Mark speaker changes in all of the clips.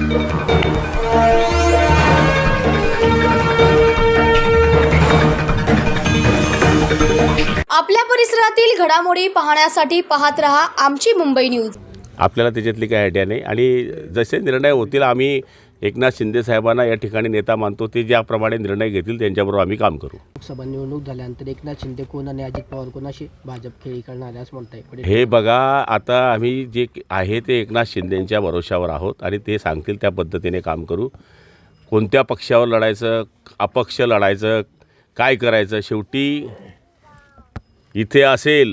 Speaker 1: आपल्या परिसरातील घडामोडी पाहण्यासाठी पाहत रहा आमची मुंबई न्यूज।
Speaker 2: आपल्याला त्याच्यातली काही आयडिया नाही आणि जसे निर्णय होतील आम्ही एकनाथ शिंदे साहेबांना या ठिकाणी नेता मानतो, ते ज्याप्रमाणे निर्णय घेतील त्यांच्याबरोबर आम्ही काम करू।
Speaker 3: लोकसभा निवडणूक झाल्यानंतर एकनाथ शिंदे कोण आणि अजित पवार कोणाशी भाजप खेळी करणार आहे असं म्हणताय?
Speaker 2: हे बघा, आता आम्ही जे आहे ते एकनाथ शिंदेंच्या भरोशावर आहोत आणि ते सांगतील त्या पद्धतीने काम करू। कोणत्या पक्षावर लढायचं, अपक्ष लढायचं, काय करायचं, शेवटी इथे असेल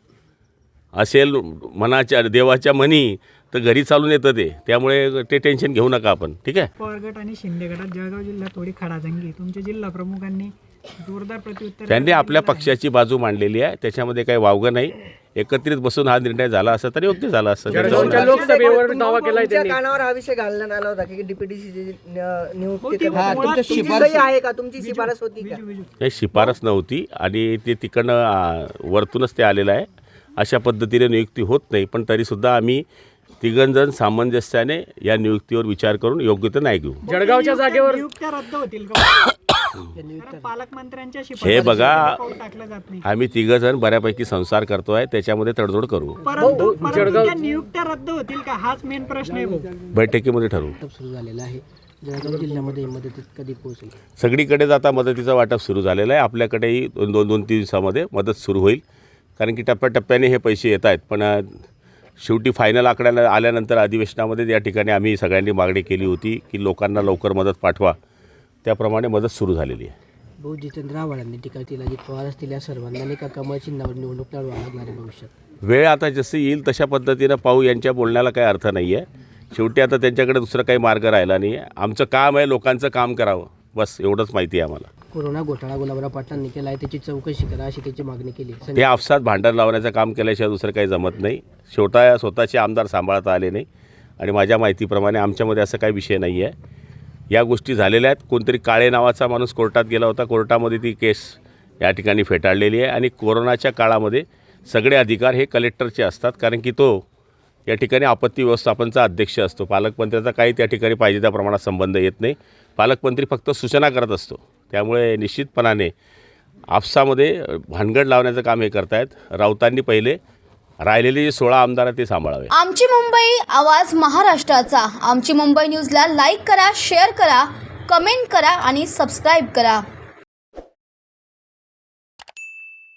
Speaker 2: मनाच्या देवाच्या मनी तर घरी चालून येतं ते, त्यामुळे ते टेन्शन घेऊ नका आपण, ठीक आहे।
Speaker 4: पवार गट आणि शिंदे गटात जळगाव जिल्ह्यात थोडी खडाजंगी, तुमच्या जिल्हा प्रमुखांनी जोरदार प्रत्युत्तर
Speaker 2: त्यांनी आपल्या पक्षाची बाजू मांडलेली आहे, त्याच्यामध्ये काही वावगं नाही। एकत्रित बसून हा निर्णय झाला असता तर योग्य झाला असता।
Speaker 3: लोकसभेवर दावा केलाय
Speaker 5: त्यांनी, कानावर हा विषय घालण्यात आला होता की डीपीटीसी नियुक्ती
Speaker 3: तुमची
Speaker 5: सही आहे का, तुमची शिफारस होती का?
Speaker 2: काही शिफारस नव्हती आणि ते तिकडनं वरतूनच ते आलेलं आहे। अशा पद्धतीने नियुक्ती होत नाही, पण तरीसुद्धा आम्ही तिघंजण सामंजस्याने या नियुक्तीवर विचार करून योग्य तर नाही घेऊ।
Speaker 4: जळगावच्या जागेवर नियुक्त्या रद्द होतील का? पालकमंत्र्यांच्या
Speaker 2: हे बघा,
Speaker 4: टाकलं जात नाही।
Speaker 2: आम्ही तिघंजण बऱ्यापैकी संसार करतोय, त्याच्यामध्ये तडजोड करू।
Speaker 4: परंतु त्या नियुक्त्या रद्द होतील का हाच मेन प्रश्न आहे भाऊ।
Speaker 2: बैठकीमध्ये ठरवू।
Speaker 3: सुरू झालेला आहे जळगाव जिल्ह्यामध्ये मदत कधी पोहोचेल?
Speaker 2: सगळीकडेच आता मदतीचं वाटप सुरू झालेलं आहे। आपल्याकडेही दोन तीन दिवसामध्ये मदत सुरू होईल, कारण की टप्प्याटप्प्याने हे पैसे येत आहेत। पण शेवटी फायनल आकड्याला आल्यानंतर अधिवेशनामध्ये या ठिकाणी आम्ही सगळ्यांनी मागणी केली होती की लोकांना लवकर मदत पाठवा, त्याप्रमाणे मदत सुरू झालेली आहे।
Speaker 3: भाऊ, जितेंद्र आव्हाडांनी टीका केली, अजित पवार असतील या सर्वांना का कमळ चिन्हावर निवडणूक लढवा लागणार आहे भविष्यात?
Speaker 2: वेळ आता जसं येईल तशा पद्धतीनं पाहू, यांच्या बोलण्याला काही अर्थ नाही आहे। शेवटी आता त्यांच्याकडे दुसरं काही मार्ग राहिला नाही आहे। आमचं काम आहे लोकांचं काम करावं, बस एवढंच माहिती आहे आम्हाला।
Speaker 3: कोरोना घोटाळा गुलाबराव पाटलांनी केला आहे, त्याची चौकशी करा अशी त्याची मागणी केली।
Speaker 2: ते आपसात भांडण लावण्याचं काम केल्याशिवाय दुसरं काही जमत नाही। स्वतःचे आमदार सांभाळता आले नाही आणि माझ्या माहितीप्रमाणे आमच्यामध्ये असं काही विषय नाही आहे। या गोष्टी झालेल्या आहेत। कोणतरी काळे नावाचा माणूस कोर्टात गेला होता, कोर्टामध्ये ती केस या ठिकाणी फेटाळलेली आहे आणि कोरोनाच्या काळामध्ये सगळे अधिकार हे कलेक्टरचे असतात, कारण की तो या ठिकाणी आपत्ती व्यवस्थापनचा अध्यक्ष असतो। पालकमंत्र्याचा काही त्या ठिकाणी पाहिजे त्या प्रमाणात संबंध येत नाही। पालकमंत्री फक्त सूचना करत असतो, त्यामुळे निश्चितपणाने आपसामध्ये भानगड लावण्याचं काम हे करतायत। राऊतांनी पहिले राहिलेले जे 16 आमदार आहेत ते सांभाळावे।
Speaker 1: आमची मुंबई, आवाज महाराष्ट्राचा। आमची मुंबई न्यूजला लाईक करा, शेअर करा, कमेंट करा आणि सबस्क्राईब करा।